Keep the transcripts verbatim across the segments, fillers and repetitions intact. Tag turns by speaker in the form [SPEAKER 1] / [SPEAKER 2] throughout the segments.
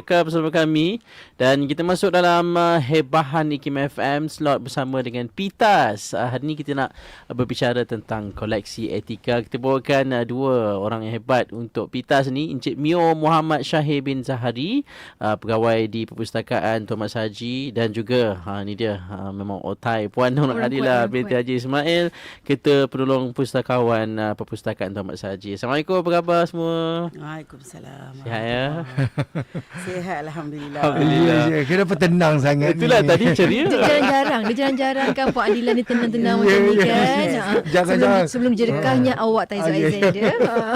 [SPEAKER 1] kekal bersama kami dan kita masuk dalam uh, Hebahan IKIM F M slot bersama dengan Pitas. Uh, hari ini kita nak uh, berbicara tentang koleksi etika. Kita bawakan uh, dua orang yang hebat untuk Pitas ni, Encik Mio Muhammad Syahir bin Zahari, uh, pegawai di Perpustakaan Tuan Mak Sahaji, dan juga uh, ni dia uh, memang otai Puan Nur Adila binti Haji Ismail, Ketua Penolong Pustakawan uh, Perpustakaan Tuan Mak Sahaji. Assalamualaikum, apa khabar semua?
[SPEAKER 2] Waalaikumsalam.
[SPEAKER 1] Sihat ya?
[SPEAKER 2] Sihat, Alhamdulillah.
[SPEAKER 1] Alhamdulillah.
[SPEAKER 3] Ya, ya. Kenapa tenang sangat
[SPEAKER 1] Itulah
[SPEAKER 3] ni?
[SPEAKER 1] tadi ceria.
[SPEAKER 4] Dia jarang-jarang, dia jarang-jarang kan Puan Adila ni tenang-tenang macam ni kan. Ha,
[SPEAKER 3] Jangan-jangan.
[SPEAKER 4] Sebelum, sebelum jerekahnya awak Taizu Aizan dia.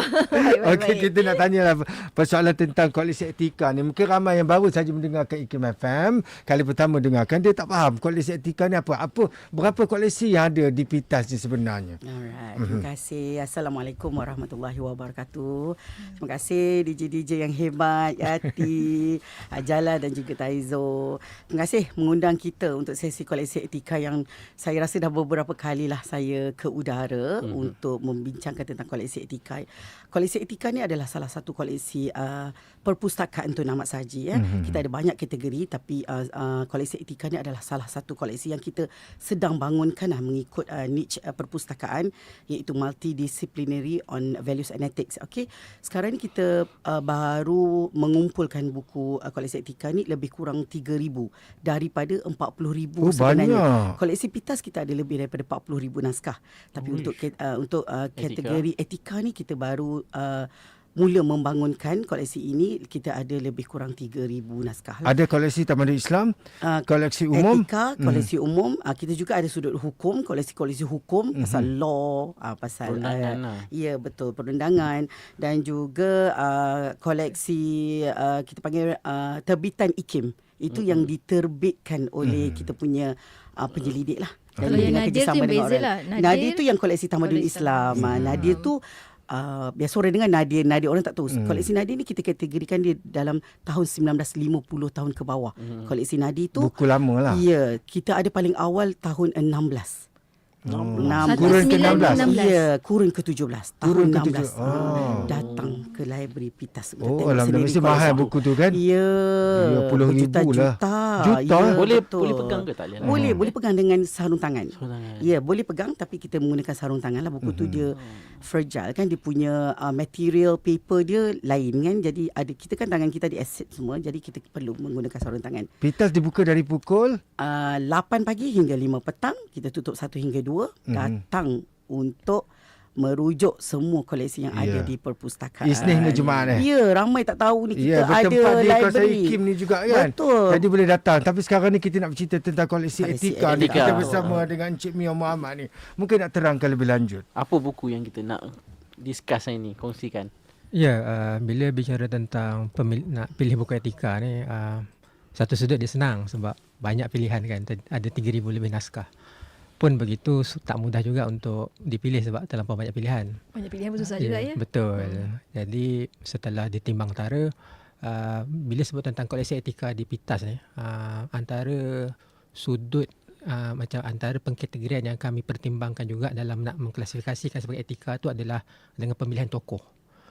[SPEAKER 3] Okey, kita nak tanyalah persoalan tentang koleksi etika ni. Mungkin ramai yang baru saja mendengarkan IKIM F M, kali pertama dengarkan, dia tak faham koleksi etika ni apa. Apa berapa koleksi yang ada di Pitas ni sebenarnya?
[SPEAKER 2] Alright, terima kasih. Assalamualaikum warahmatullahi wabarakatuh. Terima kasih D J D J yang hebat, Yati, Ajala dan juga Taizo. Terima kasih mengundang kita untuk sesi koleksi etika yang saya rasa dah beberapa kalilah saya ke udara mm-hmm. untuk membincangkan tentang koleksi etika. Koleksi etika ni adalah salah satu koleksi uh, perpustakaan Tun Ahmad Sahaji. Ya. Mm-hmm. Kita ada banyak kategori, tapi uh, uh, koleksi etika ni adalah salah satu koleksi yang kita sedang bangunkan uh, mengikut uh, niche uh, perpustakaan, iaitu multidisciplinary on values and ethics. Okey, sekarang ni kita uh, baru mengumpulkan buku uh, koleksi etika ni lebih kurang tiga ribu daripada empat puluh ribu
[SPEAKER 3] oh,
[SPEAKER 2] sebenarnya.
[SPEAKER 3] Banyak.
[SPEAKER 2] Koleksi Pitas kita ada lebih daripada empat puluh ribu naskah. Tapi Uish. untuk uh, untuk uh, kategori etika. etika ni kita baru uh, mula membangunkan koleksi ini. Kita ada lebih kurang tiga ribu naskah.
[SPEAKER 3] Ada koleksi Tamadun Islam, uh, koleksi umum,
[SPEAKER 2] etika, koleksi mm. umum. Uh, kita juga ada sudut hukum, koleksi-koleksi hukum, mm-hmm. pasal law, uh, pasal
[SPEAKER 1] perundangan.
[SPEAKER 2] Uh,
[SPEAKER 1] lah.
[SPEAKER 2] ya, betul, perundangan, dan juga uh, koleksi uh, kita panggil uh, terbitan IKIM. Itu mm-hmm. yang diterbitkan oleh mm. kita punya uh, penyelidik lah.
[SPEAKER 4] Kalau yang Nadir tu beza lah.
[SPEAKER 2] Nadir, Nadir tu yang koleksi Tamadun Islam. Islam. Hmm. Nadir tu uh, biasa orang dengar Nadir, Nadir orang tak tahu. Hmm. Koleksi Nadir ni kita kategorikan dia dalam tahun sembilan belas lima puluh tahun ke bawah. Hmm. Koleksi Nadir tu
[SPEAKER 3] buku lama lah.
[SPEAKER 2] Ya, kita ada paling awal tahun enam belas.
[SPEAKER 3] Oh.
[SPEAKER 2] Kurun ke enam belas.
[SPEAKER 4] enam belas.
[SPEAKER 2] Ya, kurun ke tujuh belas. Tahun
[SPEAKER 3] kurun
[SPEAKER 2] enam belas.
[SPEAKER 3] ke oh.
[SPEAKER 2] Datang ke library Pitas.
[SPEAKER 3] Oh, alhamdulillah, mesti mahal buku tu kan?
[SPEAKER 2] Ya.
[SPEAKER 3] Ya, puluh ribu lah.
[SPEAKER 2] Juta.
[SPEAKER 3] Juta.
[SPEAKER 2] Ya,
[SPEAKER 1] boleh
[SPEAKER 2] betul.
[SPEAKER 1] boleh pegang ke tak boleh?
[SPEAKER 2] Boleh, hmm. boleh pegang dengan sarung tangan.
[SPEAKER 1] Sarung tangan.
[SPEAKER 2] Ya, boleh pegang, tapi kita menggunakan sarung tangan lah. Buku hmm. tu dia fragile kan, dia punya uh, material paper dia lain kan. Jadi ada, kita kan tangan kita di acid semua, jadi kita perlu menggunakan sarung tangan.
[SPEAKER 3] Pitas dibuka dari pukul
[SPEAKER 2] uh, lapan pagi hingga lima petang. Kita tutup satu hingga dua. Hmm. Datang untuk merujuk semua koleksi yang yeah. ada di perpustakaan.
[SPEAKER 3] Isnin hingga Jumaat eh?
[SPEAKER 2] Ya, ramai tak tahu ni kita
[SPEAKER 3] yeah,
[SPEAKER 2] ada library. Ya,
[SPEAKER 3] kawasan IKIM ni juga kan?
[SPEAKER 2] Betul.
[SPEAKER 3] Jadi boleh datang. Tapi sekarang ni kita nak bercerita tentang koleksi, koleksi etika, etika ni. Kita bersama oh. dengan Encik Mio Muhammad ni. Mungkin nak terangkan lebih lanjut.
[SPEAKER 1] Apa buku yang kita nak discuss hari ni, kongsikan?
[SPEAKER 5] Ya, uh, bila bicara tentang pemil- nak pilih buku etika ni, uh, satu sudut dia senang sebab banyak pilihan kan. Ada tiga ribu lebih naskah. Pun begitu tak mudah juga untuk dipilih sebab terlampau banyak pilihan.
[SPEAKER 4] Banyak pilihan pun susah
[SPEAKER 5] ya,
[SPEAKER 4] juga ya.
[SPEAKER 5] Betul. Hmm. Jadi setelah ditimbang tara, uh, bila sebut tentang koleksi etika di Pitas ni, uh, antara sudut uh, macam antara pengkategorian yang kami pertimbangkan juga dalam nak mengklasifikasikan sebagai etika tu adalah dengan pemilihan tokoh.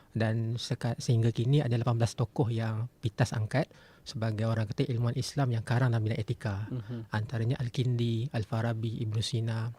[SPEAKER 5] Dan seka, sehingga kini ada lapan belas tokoh yang Pitas angkat sebagai orang kata ilmuwan Islam yang karang dalam bidang etika. Uh-huh. Antaranya Al-Kindi, Al-Farabi, Ibn Sina.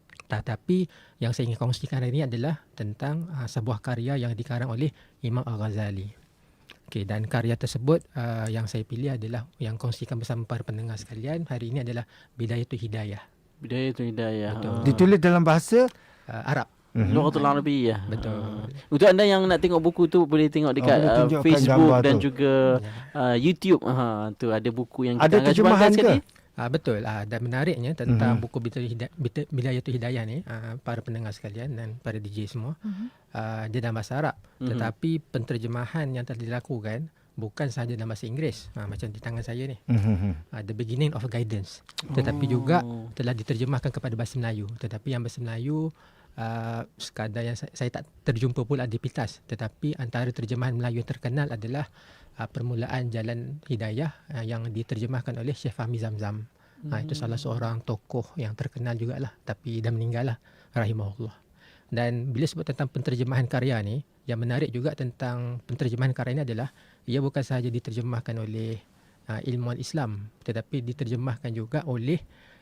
[SPEAKER 5] Tetapi yang saya ingin kongsikan hari ini adalah tentang uh, sebuah karya yang dikarang oleh Imam Al-Ghazali. Okay, dan karya tersebut uh, yang saya pilih adalah yang kongsikan bersama para pendengar sekalian hari ini adalah Bidayatul Hidayah.
[SPEAKER 1] Bidayatul Hidayah.
[SPEAKER 5] Betul.
[SPEAKER 3] Uh. Ditulis dalam bahasa
[SPEAKER 5] uh, Arab.
[SPEAKER 1] Mm-hmm. Lughatul Arabiyyah.
[SPEAKER 5] Betul.
[SPEAKER 1] Uh, untuk anda yang nak tengok buku tu boleh tengok dekat oh, uh, Facebook dan tu. juga uh, YouTube. Ha, tu ada buku yang kita
[SPEAKER 3] ada terjemahan ke?
[SPEAKER 5] Uh, betul. Uh, dan menariknya tentang mm-hmm. buku Bidayatul Hidayah ni, uh, para pendengar sekalian dan para D J semua, mm-hmm. uh, dia dalam bahasa Arab. Mm-hmm. Tetapi penterjemahan yang telah dilakukan bukan sahaja dalam bahasa Inggeris, ha, macam di tangan saya ni, mm-hmm. uh, The Beginning of Guidance, tetapi oh. juga telah diterjemahkan kepada bahasa Melayu. Tetapi yang bahasa Melayu uh, sekadar yang saya, saya tak terjumpa pula di Pitas, tetapi antara terjemahan Melayu yang terkenal adalah uh, Permulaan Jalan Hidayah uh, yang diterjemahkan oleh Syekh Fahmi Zamzam. mm. uh, Itu salah seorang tokoh yang terkenal jugalah, tapi dah meninggal lah, rahimahullah. Dan bila sebut tentang penterjemahan karya ni, yang menarik juga tentang penterjemahan karya ini adalah ia bukan sahaja diterjemahkan oleh uh, ilmuwan Islam, tetapi diterjemahkan juga oleh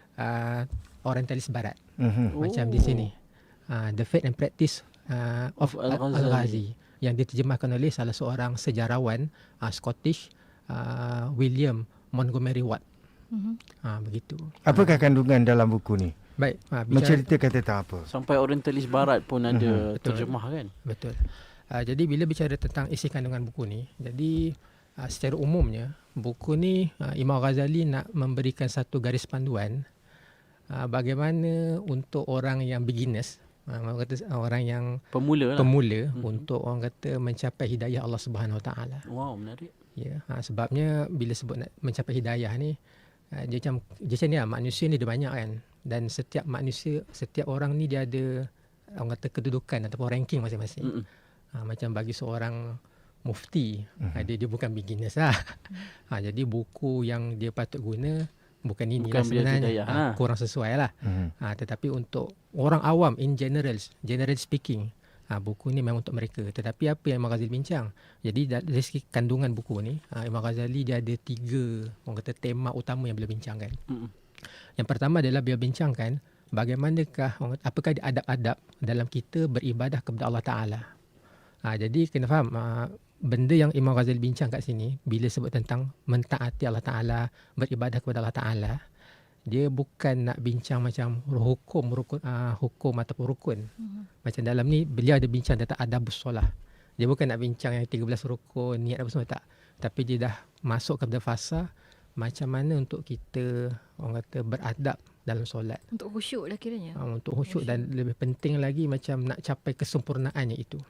[SPEAKER 5] uh, orientalis barat.
[SPEAKER 3] Mhm.
[SPEAKER 5] Macam di sini. Uh, The Faith and Practice uh, of
[SPEAKER 1] Al-Ghazali.
[SPEAKER 5] Al-Ghazi yang diterjemahkan oleh salah seorang sejarawan uh, Scottish, uh, William Montgomery Watt.
[SPEAKER 4] Mhm.
[SPEAKER 5] Uh, begitu.
[SPEAKER 3] Apakah kandungan dalam buku ni?
[SPEAKER 5] Baik, uh, bicara,
[SPEAKER 3] Menceritakan tentang apa?
[SPEAKER 1] Sampai orientalis barat pun ada
[SPEAKER 5] Betul.
[SPEAKER 1] terjemah kan.
[SPEAKER 5] betul. Uh, jadi bila bicara tentang isi kandungan buku ni, jadi uh, secara umumnya buku ni uh, Imam Ghazali nak memberikan satu garis panduan uh, bagaimana untuk orang yang beginners, uh, orang kata orang yang
[SPEAKER 1] Pemula lah.
[SPEAKER 5] pemula
[SPEAKER 1] Mhm.
[SPEAKER 5] untuk orang kata mencapai hidayah Allah Subhanahu Wa Taala.
[SPEAKER 1] Wow, menarik.
[SPEAKER 5] Ya, ha, sebabnya bila sebut nak mencapai hidayah ni, uh, dia macam dia macam ni lah, manusia ni ada banyak kan, dan setiap manusia, setiap orang ni dia ada orang kata kedudukan ataupun ranking masing-masing.
[SPEAKER 1] Mm-mm.
[SPEAKER 5] Ha, macam bagi seorang mufti, ha, dia dia bukan beginners lah. Ha, jadi buku yang dia patut guna bukan inilah
[SPEAKER 1] Bukan Bidayah
[SPEAKER 5] sebenarnya,
[SPEAKER 1] Hidayah,
[SPEAKER 5] ha,
[SPEAKER 1] ha.
[SPEAKER 5] kurang sesuai lah.
[SPEAKER 3] Mhm.
[SPEAKER 5] Ha, tetapi untuk orang awam in general, general speaking, ha, buku ni memang untuk mereka. Tetapi apa yang Imam Ghazali bincang? Jadi dari segi kandungan buku ni, ha, Imam Ghazali dia ada tiga orang kata tema utama yang beliau bincangkan.
[SPEAKER 1] Mm-mm.
[SPEAKER 5] Yang pertama adalah beliau bincangkan bagaimanakah, orang kata, apakah adab-adab dalam kita beribadah kepada Allah Ta'ala. Ha, jadi kena faham, ha, benda yang Imam Ghazali bincang kat sini, bila sebut tentang mentaati Allah Ta'ala, beribadah kepada Allah Ta'ala, dia bukan nak bincang macam hukum rukun, uh, hukum ataupun rukun.
[SPEAKER 4] Mhm.
[SPEAKER 5] Macam dalam ni beliau ada bincang tentang adabus solah. Dia bukan nak bincang yang tiga belas rukun, niat apa semua, tak. Tapi dia dah masuk kepada fasa macam mana untuk kita orang kata beradab dalam solat.
[SPEAKER 4] Untuk khusyuk lah kiranya.
[SPEAKER 5] Uh, untuk khusyuk, dan lebih penting lagi macam nak capai kesempurnaannya itu.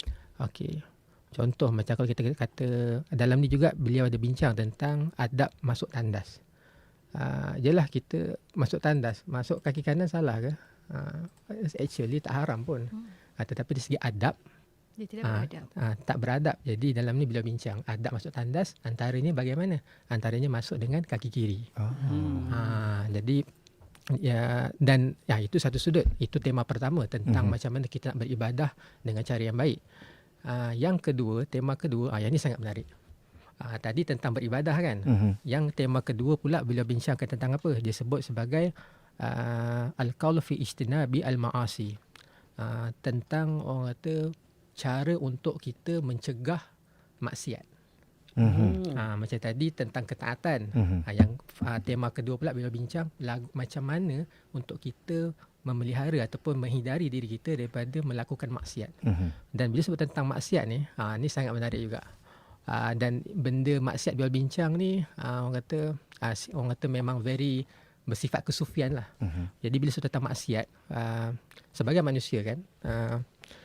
[SPEAKER 5] Okey. Contoh macam kalau kita kata dalam ni juga beliau ada bincang tentang adab masuk tandas. Uh, jelah kita masuk tandas, masuk kaki kanan salah ke? Uh, actually tak haram pun.
[SPEAKER 4] Hmm.
[SPEAKER 5] Uh, tetapi dari segi adab,
[SPEAKER 4] Dia tidak
[SPEAKER 5] uh,
[SPEAKER 4] beradab.
[SPEAKER 5] uh, tak beradab. Jadi dalam ni beliau bincang adab masuk tandas, antaranya bagaimana? Antaranya masuk dengan kaki kiri.
[SPEAKER 3] Oh.
[SPEAKER 1] Hmm.
[SPEAKER 5] Uh, jadi ya, dan ya itu satu sudut. Itu tema pertama tentang
[SPEAKER 3] Mhm.
[SPEAKER 5] macam mana kita nak beribadah dengan cara yang baik. Uh, yang kedua, tema kedua, ah, yang ini sangat menarik. Uh, tadi tentang beribadah kan.
[SPEAKER 3] Mhm.
[SPEAKER 5] Yang tema kedua pula beliau bincangkan tentang apa? Dia sebut sebagai uh, al-qaul fi ijtinabi al-ma'asi. Uh, tentang orang kata cara untuk kita mencegah maksiat.
[SPEAKER 3] Mhm.
[SPEAKER 5] Uh, macam tadi tentang ketaatan.
[SPEAKER 3] Mhm.
[SPEAKER 5] Uh, yang uh, tema kedua pula beliau bincang lagu, macam mana untuk kita memelihara ataupun menghindari diri kita daripada melakukan maksiat.
[SPEAKER 3] Mhm.
[SPEAKER 5] Dan bila sebut tentang maksiat ni, ha, ni sangat menarik juga. Ha, dan benda maksiat beliau bincang ni, ha, orang kata ha, orang kata memang very bersifat kesufian lah.
[SPEAKER 3] Mhm.
[SPEAKER 5] Jadi bila sebut tentang maksiat, ha, sebagai manusia kan, ha,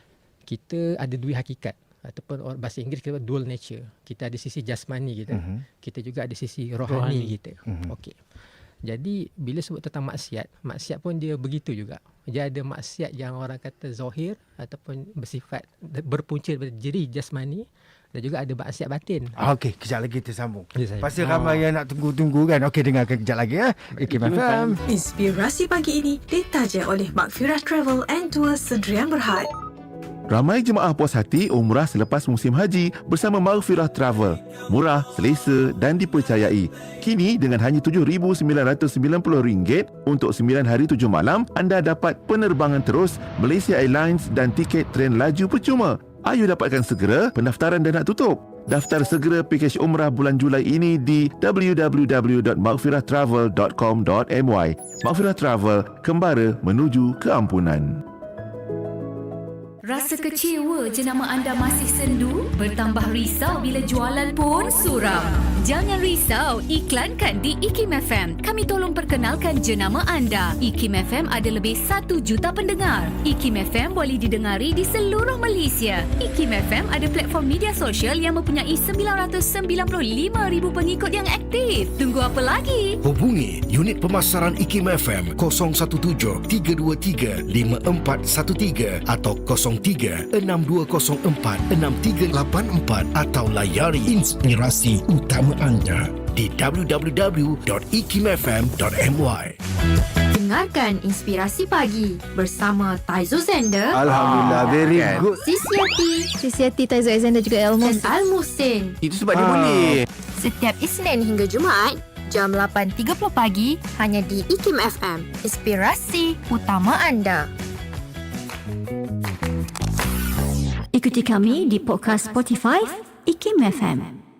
[SPEAKER 5] kita ada dua hakikat. Ataupun or- bahasa Inggeris kita dual nature. Kita ada sisi jasmani kita.
[SPEAKER 3] Mhm.
[SPEAKER 5] Kita juga ada sisi rohani,
[SPEAKER 1] Rohani.
[SPEAKER 5] kita.
[SPEAKER 3] Mhm.
[SPEAKER 5] Okey. Jadi bila sebut tentang maksiat, maksiat pun dia begitu juga. Dia ada maksiat yang orang kata zahir ataupun bersifat berpunca daripada diri jasmani, dan juga ada maksiat batin.
[SPEAKER 3] Ah, Okey, kejap lagi kita sambung.
[SPEAKER 5] Ya, saya.
[SPEAKER 3] Pasti ramai yang nak tunggu-tunggu kan. Okey, dengarkan kejap lagi ya. Ikim F M.
[SPEAKER 6] Inspirasi pagi ini ditaja oleh Makfirah Travel and Tours Sedrian Berhad.
[SPEAKER 7] Ramai jemaah puas hati umrah selepas musim haji bersama Maghfirah Travel. Murah, selesa dan dipercayai. Kini dengan hanya tujuh ribu sembilan ratus sembilan puluh ringgit untuk sembilan hari tujuh malam, anda dapat penerbangan terus Malaysia Airlines dan tiket tren laju percuma. Ayo dapatkan segera, pendaftaran dah nak tutup. Daftar segera pakej umrah bulan Julai ini di w w w dot maghfirah travel dot com dot m y. Maghfirah Travel, kembara menuju keampunan.
[SPEAKER 8] Rasa kecewa jenama anda masih sendu? Bertambah risau bila jualan pun suram? Jangan risau, iklankan di Ikim F M. Kami tolong perkenalkan jenama anda. Ikim F M ada lebih satu juta pendengar. Ikim F M boleh didengari di seluruh Malaysia. Ikim F M ada platform media sosial yang mempunyai sembilan ratus sembilan puluh lima ribu pengikut yang aktif. Tunggu apa lagi?
[SPEAKER 9] Hubungi unit pemasaran Ikim F M kosong satu tujuh tiga dua tiga lima empat satu tiga atau kosong tiga enam dua kosong empat enam tiga lapan empat atau layari inspirasi utama anda di w w w dot ikim f m dot m y.
[SPEAKER 6] dengarkan Inspirasi Pagi bersama Taizo Zender,
[SPEAKER 3] Alhamdulillah, very
[SPEAKER 7] kan?
[SPEAKER 3] good.
[SPEAKER 6] Sisi Yati
[SPEAKER 4] Sisi Hati, Taizo Alexander juga
[SPEAKER 6] dan
[SPEAKER 4] Elmos.
[SPEAKER 6] Al-Muhsin.
[SPEAKER 7] Itu sebab dia
[SPEAKER 3] Ah.
[SPEAKER 7] boleh.
[SPEAKER 6] Setiap Isnin hingga Jumaat, jam lapan tiga puluh pagi, hanya di IKIM F M. Inspirasi utama anda.
[SPEAKER 8] Ikuti kami di podcast Spotify IKIM F M.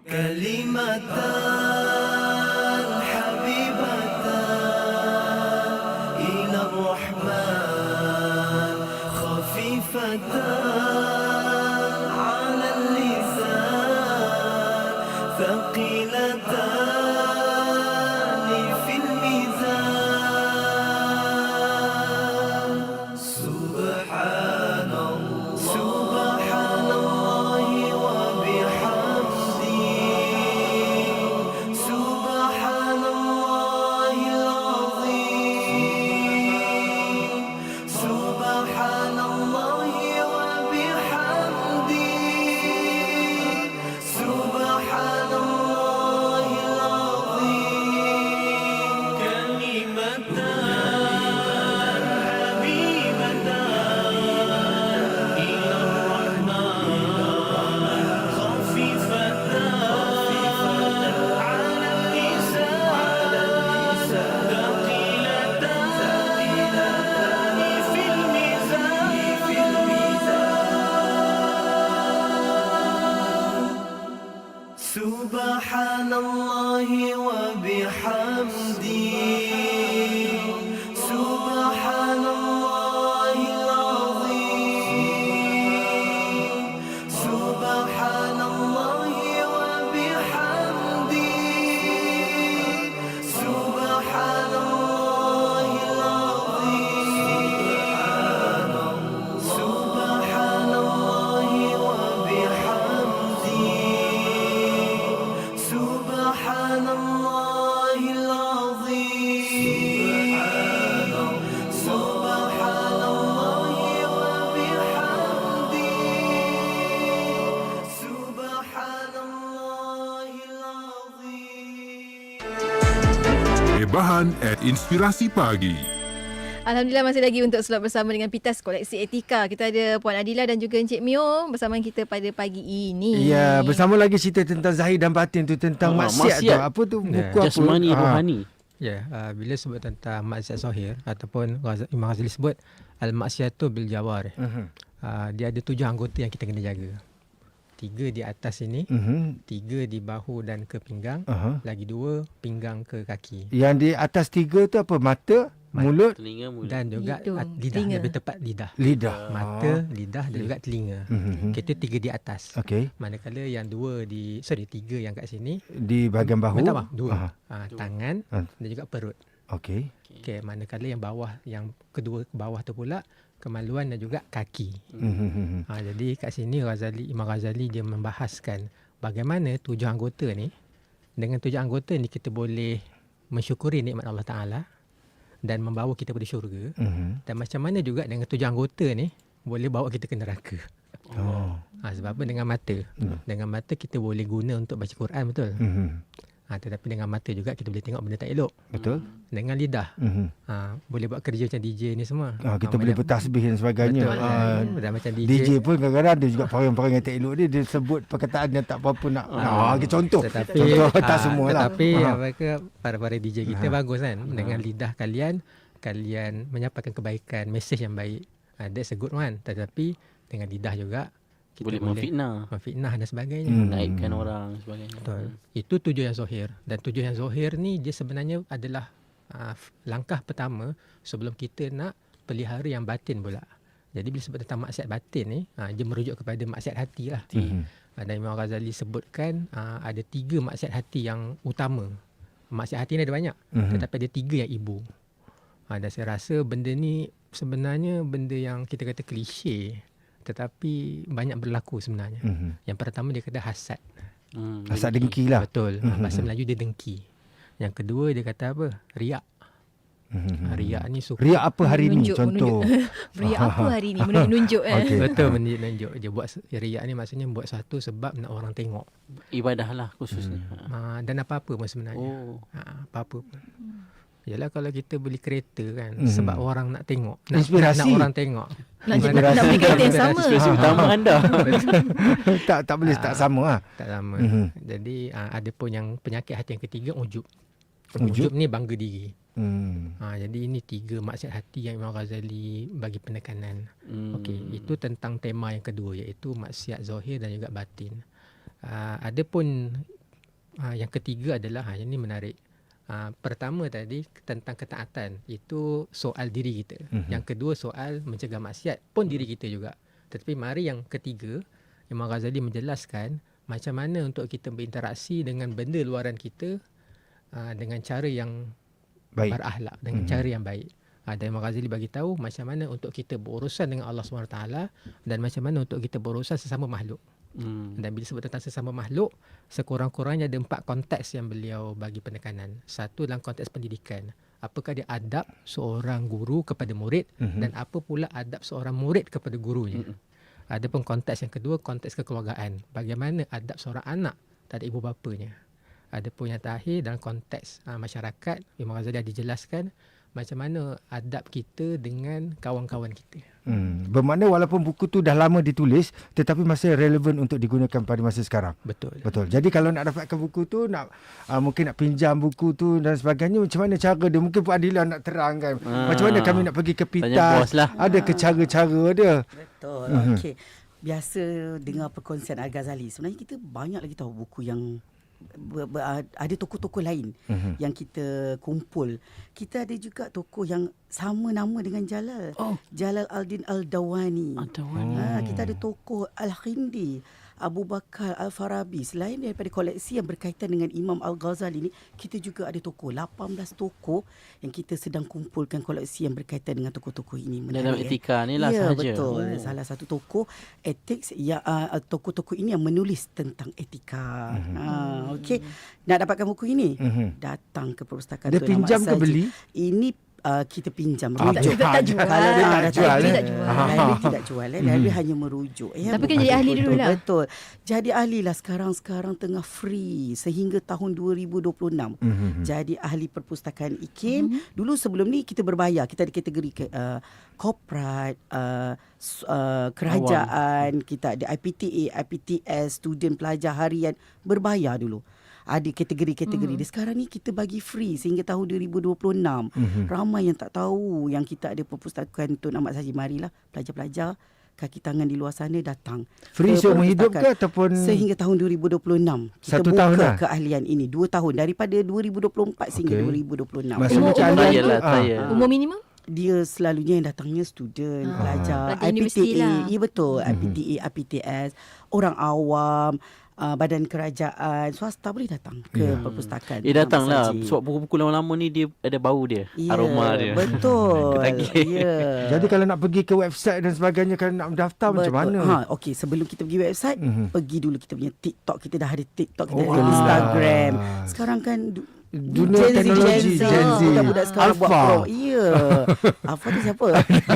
[SPEAKER 10] Hebahan at Inspirasi Pagi.
[SPEAKER 4] Alhamdulillah masih lagi untuk slot bersama dengan Pitas Koleksi Etika. Kita ada Puan Adila dan juga Encik Mio bersama kita pada pagi ini.
[SPEAKER 3] Ya, bersama lagi cerita tentang zahir dan batin tu, tentang
[SPEAKER 1] Oh,
[SPEAKER 3] maksiat,
[SPEAKER 1] maksiat.
[SPEAKER 3] tu. Apa tu
[SPEAKER 5] Ya.
[SPEAKER 3] buku apa?
[SPEAKER 1] Jasmani,
[SPEAKER 3] Ah.
[SPEAKER 1] rohani.
[SPEAKER 5] Ya, uh, bila sebut tentang maksiat zahir ataupun Ghaz- Imam Ghazali sebut al-maksiatu bil jawarih.
[SPEAKER 3] Mhm.
[SPEAKER 5] Uh, dia ada tujuh anggota yang kita kena jaga. Tiga di atas ini,
[SPEAKER 3] Mhm.
[SPEAKER 5] tiga di bahu dan ke pinggang,
[SPEAKER 3] Aha.
[SPEAKER 5] lagi dua pinggang ke kaki.
[SPEAKER 3] Yang di atas tiga tu apa? Mata, mulut,
[SPEAKER 1] Telinga mulut.
[SPEAKER 5] Dan juga
[SPEAKER 4] Hidung,
[SPEAKER 5] at- lidah,
[SPEAKER 4] telinga.
[SPEAKER 5] lebih tepat lidah.
[SPEAKER 3] lidah.
[SPEAKER 5] Mata, lidah dan juga telinga.
[SPEAKER 3] Mhm.
[SPEAKER 5] Kita tiga di atas.
[SPEAKER 3] Okey.
[SPEAKER 5] Manakala yang dua di, sorry, tiga yang kat sini,
[SPEAKER 3] Di bahagian bahu.
[SPEAKER 5] minta maaf, dua.
[SPEAKER 3] Aha.
[SPEAKER 5] Uh, tangan
[SPEAKER 3] Ah.
[SPEAKER 5] dan juga perut.
[SPEAKER 3] Okey.
[SPEAKER 5] Okey, manakala yang bawah, yang kedua ke bawah tu pula kemaluan dan juga kaki.
[SPEAKER 3] Mhm.
[SPEAKER 5] Ha, jadi kat sini Ghazali, Imam Ghazali dia membahaskan bagaimana tujuh anggota ni, dengan tujuh anggota ni kita boleh mensyukuri nikmat Allah Ta'ala dan membawa kita pada syurga.
[SPEAKER 3] Mhm.
[SPEAKER 5] Dan macam mana juga dengan tujuh anggota ni boleh bawa kita ke neraka.
[SPEAKER 3] Oh.
[SPEAKER 5] Ha, sebab apa? Dengan mata.
[SPEAKER 3] Hmm.
[SPEAKER 5] Dengan mata kita boleh guna untuk baca Quran, betul?
[SPEAKER 3] Mhm.
[SPEAKER 5] Ha, tetapi dengan mata juga kita boleh tengok benda tak elok.
[SPEAKER 3] Betul?
[SPEAKER 5] Dengan lidah,
[SPEAKER 3] Mhm.
[SPEAKER 5] ha, boleh buat kerja macam D J ni semua.
[SPEAKER 3] Ah, kita
[SPEAKER 5] Ha,
[SPEAKER 3] boleh
[SPEAKER 5] banyak-
[SPEAKER 3] bertasbih dan sebagainya.
[SPEAKER 5] Betul.
[SPEAKER 3] Ah,
[SPEAKER 5] Dan macam D J.
[SPEAKER 3] D J pun kadang-kadang ada juga perangai-perangai tak elok dia. Dia sebut perkataan yang tak apa-apa nak. Ah, okay, contoh.
[SPEAKER 5] Tetapi
[SPEAKER 3] contoh tak
[SPEAKER 5] ah,
[SPEAKER 3] semua lah.
[SPEAKER 5] Tetapi
[SPEAKER 3] Ah.
[SPEAKER 5] apa ke para-para D J kita bagus kan, dengan lidah kalian kalian menyampaikan kebaikan, mesej yang baik. Ah, that's a good one. Tetapi dengan lidah juga kita
[SPEAKER 1] Boleh
[SPEAKER 5] boleh,
[SPEAKER 1] memfitnah,
[SPEAKER 5] memfitnah dan sebagainya.
[SPEAKER 3] Hmm.
[SPEAKER 1] naikkan orang sebagainya.
[SPEAKER 5] Betul. Itu tujuh yang zahir. Dan tujuh yang zahir ni dia sebenarnya adalah uh, langkah pertama sebelum kita nak pelihara yang batin pula. Jadi bila sebut tentang maksiat batin ni, uh, dia merujuk kepada maksiat hati lah.
[SPEAKER 3] Mhm.
[SPEAKER 5] Uh, dan Imam Ghazali sebutkan uh, ada tiga maksiat hati yang utama. Maksiat hati ni ada banyak,
[SPEAKER 3] Mhm.
[SPEAKER 5] tetapi ada tiga yang ibu. Uh, dan saya rasa benda ni sebenarnya benda yang kita kata klise, tetapi banyak berlaku sebenarnya.
[SPEAKER 3] Mhm.
[SPEAKER 5] Yang pertama dia kata hasad.
[SPEAKER 1] Hmm,
[SPEAKER 3] Asal dengki lah.
[SPEAKER 5] Betul.
[SPEAKER 3] Mhm.
[SPEAKER 5] Bahasa Melayu dia dengki. Yang kedua dia kata apa? Riak.
[SPEAKER 3] Mhm.
[SPEAKER 5] Riak ni suka.
[SPEAKER 3] Riak apa hari ni?
[SPEAKER 4] Menunjuk,
[SPEAKER 3] Contoh.
[SPEAKER 4] Beri apa hari ni? Menunjuk-nunjuk eh.
[SPEAKER 3] Okey.
[SPEAKER 5] Betul, menunjuk. Dia buat riak ni maksudnya buat satu sebab nak orang tengok.
[SPEAKER 1] Ibadah lah khususnya.
[SPEAKER 5] Uh, dan apa-apa pun sebenarnya.
[SPEAKER 1] Oh.
[SPEAKER 5] Ha, apa-apa pun. Yalah kalau kita beli kereta kan
[SPEAKER 3] Mhm.
[SPEAKER 5] sebab orang nak tengok, nak,
[SPEAKER 3] Inspirasi.
[SPEAKER 5] nak orang tengok.
[SPEAKER 4] Nak, nak, nak beli kereta yang sama.
[SPEAKER 1] Inspirasi utama anda.
[SPEAKER 3] tak tak boleh tak sama ah.
[SPEAKER 5] Tak sama.
[SPEAKER 3] Mhm.
[SPEAKER 5] Jadi uh, ada pun yang penyakit hati yang ketiga, ujub.
[SPEAKER 3] Ujub?
[SPEAKER 5] Ujub ni bangga diri.
[SPEAKER 3] Hmm.
[SPEAKER 5] Ha, jadi ini tiga maksiat hati yang Imam Ghazali bagi penekanan.
[SPEAKER 1] Hmm.
[SPEAKER 5] Okey, itu tentang tema yang kedua iaitu maksiat zahir dan juga batin. Uh, ada pun uh, yang ketiga adalah ha, yang ini menarik. Uh, pertama tadi tentang ketaatan, itu soal diri kita.
[SPEAKER 3] Mhm.
[SPEAKER 5] Yang kedua soal mencegah maksiat pun diri kita juga. Tetapi mari yang ketiga, Imam Ghazali menjelaskan macam mana untuk kita berinteraksi dengan benda luaran kita uh, dengan cara yang
[SPEAKER 3] Baik.
[SPEAKER 5] berakhlak, dengan
[SPEAKER 3] Mhm.
[SPEAKER 5] cara yang baik. Uh, dan Imam Ghazali bagi tahu macam mana untuk kita berurusan dengan Allah subhanahu wa taala dan macam mana untuk kita berurusan sesama makhluk.
[SPEAKER 1] Hmm.
[SPEAKER 5] Dan bila sebut tentang sesama makhluk, sekurang-kurangnya ada empat konteks yang beliau bagi penekanan. Satu dalam konteks pendidikan. Apakah dia adab seorang guru kepada murid,
[SPEAKER 3] Mhm.
[SPEAKER 5] dan apa pula adab seorang murid kepada gurunya.
[SPEAKER 1] Mhm.
[SPEAKER 5] Ada pun konteks yang kedua, konteks kekeluargaan. Bagaimana adab seorang anak terhadap ibu bapanya. Ada pun yang terakhir dalam konteks uh, masyarakat, Imam Ghazali ada dijelaskan macam mana adab kita dengan kawan-kawan kita.
[SPEAKER 3] Hmm. Bermakna walaupun buku tu dah lama ditulis tetapi masih relevan untuk digunakan pada masa sekarang.
[SPEAKER 5] Betul.
[SPEAKER 3] Betul. Jadi kalau nak dapatkan buku tu, nak uh, mungkin nak pinjam buku tu dan sebagainya, macam mana cara dia? Mungkin Puan Adila nak terangkan.
[SPEAKER 1] Ah.
[SPEAKER 3] Macam mana kami nak pergi ke
[SPEAKER 1] Tanya
[SPEAKER 3] Pitas?
[SPEAKER 1] bos lah.
[SPEAKER 3] Ada ke cara-cara dia?
[SPEAKER 2] Betul.
[SPEAKER 3] Mhm.
[SPEAKER 2] Okey. Biasa dengar perkongsian Al-Ghazali. Sebenarnya kita banyak lagi tahu buku yang ber, ber, ada tokoh-tokoh lain
[SPEAKER 3] Mhm.
[SPEAKER 2] yang kita kumpul. Kita ada juga tokoh yang sama nama dengan Jalal.
[SPEAKER 1] Oh.
[SPEAKER 2] Jalal Al-Din Al-Dawani.
[SPEAKER 1] Ad-Dawani.
[SPEAKER 2] Ha, kita ada tokoh Al-Khindi, Abu Bakar Al-Farabi. Selain daripada koleksi yang berkaitan dengan Imam Al-Ghazali ni, kita juga ada tokoh, lapan belas tokoh yang kita sedang kumpulkan koleksi yang berkaitan dengan tokoh-tokoh ini.
[SPEAKER 1] Dalam
[SPEAKER 2] Menarik, eh?
[SPEAKER 1] etika ni lah
[SPEAKER 2] Ya,
[SPEAKER 1] sahaja.
[SPEAKER 2] betul.
[SPEAKER 1] Oh.
[SPEAKER 2] Salah satu tokoh ethics yang uh, tokoh-tokoh ini yang menulis tentang etika.
[SPEAKER 3] Mhm.
[SPEAKER 2] Ha, okey. Nak dapatkan buku ini?
[SPEAKER 3] Mhm.
[SPEAKER 2] Datang ke perpustakaan
[SPEAKER 3] Dia
[SPEAKER 2] Tun
[SPEAKER 3] pinjam
[SPEAKER 2] Ahmad
[SPEAKER 3] ke
[SPEAKER 2] Saji.
[SPEAKER 3] beli?
[SPEAKER 2] Ini uh, kita pinjam
[SPEAKER 3] Ah,
[SPEAKER 2] rujuk.
[SPEAKER 4] kita tak jual.
[SPEAKER 3] Kalau dia tak
[SPEAKER 2] Ah,
[SPEAKER 3] jual,
[SPEAKER 2] library
[SPEAKER 3] eh?
[SPEAKER 2] tak jual. Library tidak jual. Eh. Library hanya merujuk. Eh.
[SPEAKER 4] Tapi kan jadi ahli
[SPEAKER 2] Betul,
[SPEAKER 4] dulu lah.
[SPEAKER 2] Betul. Jadi ahli lah sekarang-sekarang tengah free sehingga tahun dua ribu dua puluh enam.
[SPEAKER 3] Mhm.
[SPEAKER 2] Jadi ahli perpustakaan I K I M. Dulu sebelum ni kita berbayar. Kita ada kategori ke, uh, corporate, uh, s- uh, kerajaan. Kita ada I P T A, I P T S, student pelajar harian. Berbayar dulu. Ada kategori-kategori. Mm-hmm. Sekarang ni kita bagi free sehingga tahun dua ribu dua puluh enam.
[SPEAKER 3] Mhm.
[SPEAKER 2] Ramai yang tak tahu yang kita ada perpustakaan Tun Ahmad Saji. Marilah pelajar-pelajar kaki tangan di luar sana datang.
[SPEAKER 3] Free
[SPEAKER 2] ke
[SPEAKER 3] seumur hidup ke
[SPEAKER 2] perpustakaan.
[SPEAKER 3] ataupun
[SPEAKER 2] Sehingga tahun dua ribu dua puluh enam. Kita
[SPEAKER 3] Satu
[SPEAKER 2] buka
[SPEAKER 3] tahun lah?
[SPEAKER 2] keahlian ini. Dua tahun. Daripada dua ribu dua puluh empat sehingga
[SPEAKER 3] Okey.
[SPEAKER 2] dua ribu dua puluh enam.
[SPEAKER 3] Maksudnya
[SPEAKER 4] Umur-
[SPEAKER 3] keahlian
[SPEAKER 1] trial
[SPEAKER 3] tu,
[SPEAKER 1] lah,
[SPEAKER 3] ah.
[SPEAKER 1] trial.
[SPEAKER 4] Umur minimum?
[SPEAKER 2] Dia selalunya yang datangnya student,
[SPEAKER 4] Ah,
[SPEAKER 2] pelajar,
[SPEAKER 4] pelajar
[SPEAKER 2] I P T
[SPEAKER 4] universiti
[SPEAKER 2] A,
[SPEAKER 4] lah.
[SPEAKER 2] ya betul,
[SPEAKER 3] Mhm.
[SPEAKER 2] I P T A, I P T S, orang awam, uh, badan kerajaan, swasta boleh datang ke
[SPEAKER 3] Ya.
[SPEAKER 2] perpustakaan.
[SPEAKER 1] Eh datanglah.
[SPEAKER 2] Ahmad Saji.
[SPEAKER 1] Sebab buku-buku lama-lama ni dia ada bau dia.
[SPEAKER 2] Ya,
[SPEAKER 1] Aroma dia.
[SPEAKER 2] Betul.
[SPEAKER 1] Ketagih.
[SPEAKER 2] Ya.
[SPEAKER 3] Jadi kalau nak pergi ke website dan sebagainya, kalau nak mendaftar macam mana?
[SPEAKER 2] Ha, okey, sebelum kita pergi website,
[SPEAKER 3] Mhm.
[SPEAKER 2] pergi dulu kita punya TikTok. Kita dah ada TikTok, kita
[SPEAKER 3] Oh,
[SPEAKER 2] ada
[SPEAKER 3] ah.
[SPEAKER 2] Instagram. Sekarang kan du-
[SPEAKER 3] Dunia
[SPEAKER 2] Gen Z,
[SPEAKER 3] teknologi,
[SPEAKER 2] Gen Z.
[SPEAKER 3] Gen Z.
[SPEAKER 2] Budak-budak sekarang buat
[SPEAKER 3] Alpha.
[SPEAKER 2] pro. Ya. Alpha tu siapa?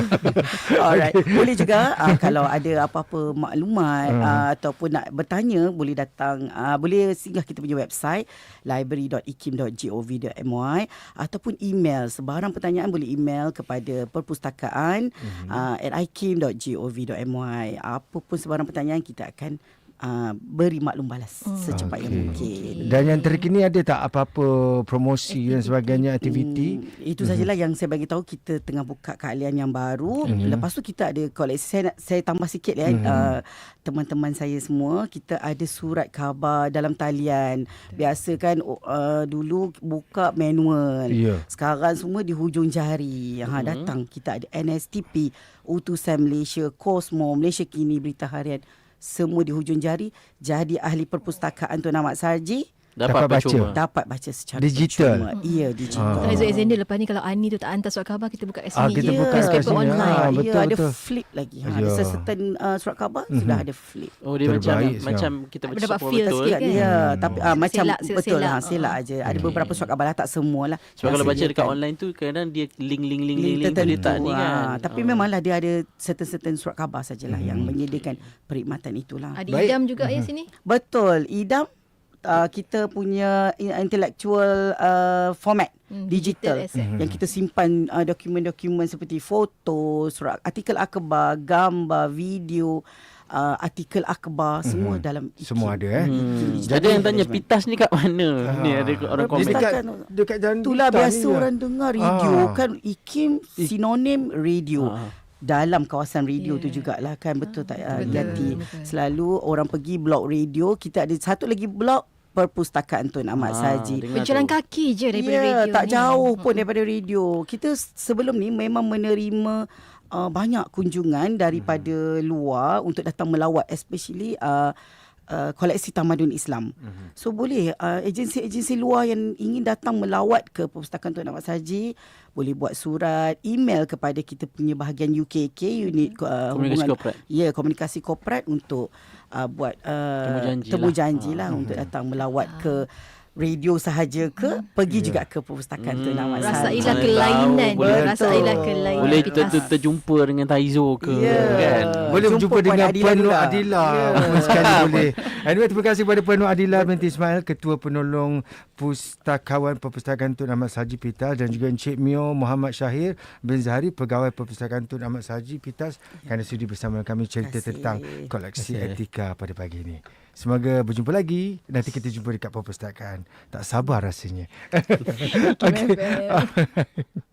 [SPEAKER 2] Alright. Boleh juga uh, kalau ada apa-apa maklumat
[SPEAKER 3] Hmm.
[SPEAKER 2] uh, ataupun nak bertanya, boleh datang. Uh, boleh singgah kita punya website library dot i k i m dot gov dot m y ataupun email. Sebarang pertanyaan boleh email kepada perpustakaan
[SPEAKER 3] Mhm.
[SPEAKER 2] uh, at i k i m dot gov dot m y. Apa pun sebarang pertanyaan kita akan uh, beri maklum balas
[SPEAKER 4] Hmm.
[SPEAKER 2] secepat yang
[SPEAKER 3] Okey.
[SPEAKER 2] mungkin.
[SPEAKER 3] Dan yang terkini ada tak apa-apa promosi dan sebagainya, aktiviti?
[SPEAKER 2] Hmm, itu sajalah yang saya bagi tahu. Kita tengah buka keahlian yang baru.
[SPEAKER 3] Mhm.
[SPEAKER 2] Lepas tu kita ada koleksi. Saya nak, saya tambah sikit ya,
[SPEAKER 3] Mhm.
[SPEAKER 2] uh, teman-teman saya semua, kita ada surat khabar dalam talian. Biasa kan uh, dulu buka manual.
[SPEAKER 3] Ya.
[SPEAKER 2] Sekarang semua di hujung jari. Ha,
[SPEAKER 1] Mhm.
[SPEAKER 2] datang. Kita ada N S T P, Utusan Malaysia, Cosmo, Malaysia Kini, Berita Harian. Semua di hujung jari. Jadi ahli perpustakaan Tun Ahmad Saji
[SPEAKER 1] Dapat,
[SPEAKER 3] Dapat baca.
[SPEAKER 1] percuma.
[SPEAKER 2] dapat baca secara
[SPEAKER 3] Digital.
[SPEAKER 2] percuma. Iya, digital.
[SPEAKER 3] Ah.
[SPEAKER 4] Aizul Alexander lepas ni kalau Ani tu tak hantar surat khabar, kita buka kat
[SPEAKER 3] Ah,
[SPEAKER 4] sini.
[SPEAKER 3] kita
[SPEAKER 4] je.
[SPEAKER 3] buka kat
[SPEAKER 4] Newspaper
[SPEAKER 3] sini.
[SPEAKER 4] online.
[SPEAKER 3] Ah,
[SPEAKER 2] Ha,
[SPEAKER 3] betul,
[SPEAKER 2] ya, ada
[SPEAKER 3] betul.
[SPEAKER 2] flip lagi. Ha,
[SPEAKER 3] Ya.
[SPEAKER 2] ada certain uh, surat khabar
[SPEAKER 3] Mhm.
[SPEAKER 2] sudah ada flip.
[SPEAKER 1] Oh dia
[SPEAKER 3] Terbaik
[SPEAKER 1] macam
[SPEAKER 3] sekarang.
[SPEAKER 1] macam kita baca
[SPEAKER 4] Dapat
[SPEAKER 1] semua
[SPEAKER 4] feel
[SPEAKER 1] betul.
[SPEAKER 4] sikit
[SPEAKER 2] Sikit
[SPEAKER 4] kan?
[SPEAKER 2] ya,
[SPEAKER 3] Hmm.
[SPEAKER 2] tapi uh, macam
[SPEAKER 4] Selak,
[SPEAKER 2] betul
[SPEAKER 4] selak.
[SPEAKER 2] lah, selak aja. Ada beberapa surat khabar lah, tak semua lah.
[SPEAKER 1] Sebab kalau
[SPEAKER 2] Yang
[SPEAKER 1] baca dekat
[SPEAKER 2] sediakan.
[SPEAKER 1] online tu kadang dia link-link link-link
[SPEAKER 2] Link
[SPEAKER 1] link tu dia tak ni
[SPEAKER 2] tertentu,
[SPEAKER 1] kan.
[SPEAKER 2] ah. Tapi
[SPEAKER 1] Ah.
[SPEAKER 2] memanglah dia ada certain-certain surat khabar sajalah
[SPEAKER 3] Mhm.
[SPEAKER 2] yang menyediakan perkhidmatan itulah.
[SPEAKER 4] Ada
[SPEAKER 3] Baik.
[SPEAKER 4] idam juga ya sini.
[SPEAKER 2] Betul, idam uh, kita punya intellectual uh, format
[SPEAKER 4] Hmm,
[SPEAKER 2] digital,
[SPEAKER 4] digital asset.
[SPEAKER 2] yang kita simpan uh, dokumen-dokumen seperti foto, surat artikel akhbar, gambar, video, uh, artikel akhbar, semua
[SPEAKER 3] Mhm.
[SPEAKER 2] dalam I K I M.
[SPEAKER 3] Semua ada eh.
[SPEAKER 2] Hmm.
[SPEAKER 1] Ada yang tanya Pitas ni kat mana?
[SPEAKER 3] Ah.
[SPEAKER 1] Ni ada orang
[SPEAKER 3] Dia
[SPEAKER 1] komen.
[SPEAKER 3] dekat
[SPEAKER 2] Perpustakaan.
[SPEAKER 3] dekat jalan
[SPEAKER 2] Itulah
[SPEAKER 3] Pitas
[SPEAKER 2] biasa
[SPEAKER 3] ni je.
[SPEAKER 2] orang dengar radio
[SPEAKER 3] Ah.
[SPEAKER 2] kan, I K I M sinonim radio.
[SPEAKER 1] Ah.
[SPEAKER 2] Dalam kawasan radio
[SPEAKER 4] Yeah.
[SPEAKER 2] tu jugalah kan, betul tak uh,
[SPEAKER 4] Betul,
[SPEAKER 2] Yati?
[SPEAKER 4] betul.
[SPEAKER 2] Selalu orang pergi blog radio, kita ada satu lagi blog Perpustakaan Tun Ahmad
[SPEAKER 1] Ah,
[SPEAKER 2] Sahaji.
[SPEAKER 1] dengar
[SPEAKER 4] Berjalan
[SPEAKER 1] tu.
[SPEAKER 4] kaki je daripada
[SPEAKER 2] Ya,
[SPEAKER 4] radio
[SPEAKER 2] tak
[SPEAKER 4] ni.
[SPEAKER 2] jauh pun daripada radio. Kita sebelum ni memang menerima uh, banyak kunjungan daripada luar untuk datang melawat, especially uh, uh, koleksi tamadun Islam. So boleh uh, agensi-agensi luar yang ingin datang melawat ke Perpustakaan Tun Ahmad Sahaji boleh buat surat, email kepada kita punya bahagian U K K, unit uh,
[SPEAKER 1] Komunikasi
[SPEAKER 2] hubungan
[SPEAKER 1] korporat.
[SPEAKER 2] Ya, komunikasi korporat untuk uh, buat uh,
[SPEAKER 1] Temu janji
[SPEAKER 2] temu
[SPEAKER 1] lah.
[SPEAKER 2] janji lah
[SPEAKER 1] Ah.
[SPEAKER 2] untuk datang melawat ke radio sahaja ke, pergi juga ke Perpustakaan Tun Ahmad
[SPEAKER 4] Rasailah
[SPEAKER 2] Sahaji.
[SPEAKER 1] Mana
[SPEAKER 4] kelainan.
[SPEAKER 1] tahu, boleh
[SPEAKER 4] Rasailah
[SPEAKER 2] tahu.
[SPEAKER 4] kelainan.
[SPEAKER 1] Boleh kita
[SPEAKER 4] Pitas.
[SPEAKER 1] tu terjumpa dengan Taizo ke
[SPEAKER 2] Ya.
[SPEAKER 1] kan?
[SPEAKER 3] Boleh
[SPEAKER 2] Jumpa
[SPEAKER 3] berjumpa
[SPEAKER 2] Puan
[SPEAKER 3] dengan
[SPEAKER 2] Adila
[SPEAKER 3] Puan Nur
[SPEAKER 2] juga.
[SPEAKER 3] Adila.
[SPEAKER 2] Ya.
[SPEAKER 3] Pun sekali boleh. Anyway, terima kasih kepada Puan Nur Adila binti Ismail, Ketua Penolong Pustakawan Perpustakaan Tun Ahmad Sahaji Pitas, dan juga Encik Mio Muhammad Syahir bin Zahari, Pegawai Perpustakaan Tun Ahmad Sahaji Pitas, kerana sudi bersama kami cerita
[SPEAKER 2] Terima kasih.
[SPEAKER 3] tentang koleksi
[SPEAKER 1] Terima kasih.
[SPEAKER 3] etika pada pagi ini. Semoga berjumpa lagi. Nanti kita jumpa dekat perpustakaan. Tak sabar rasanya.
[SPEAKER 4] I K I M F M.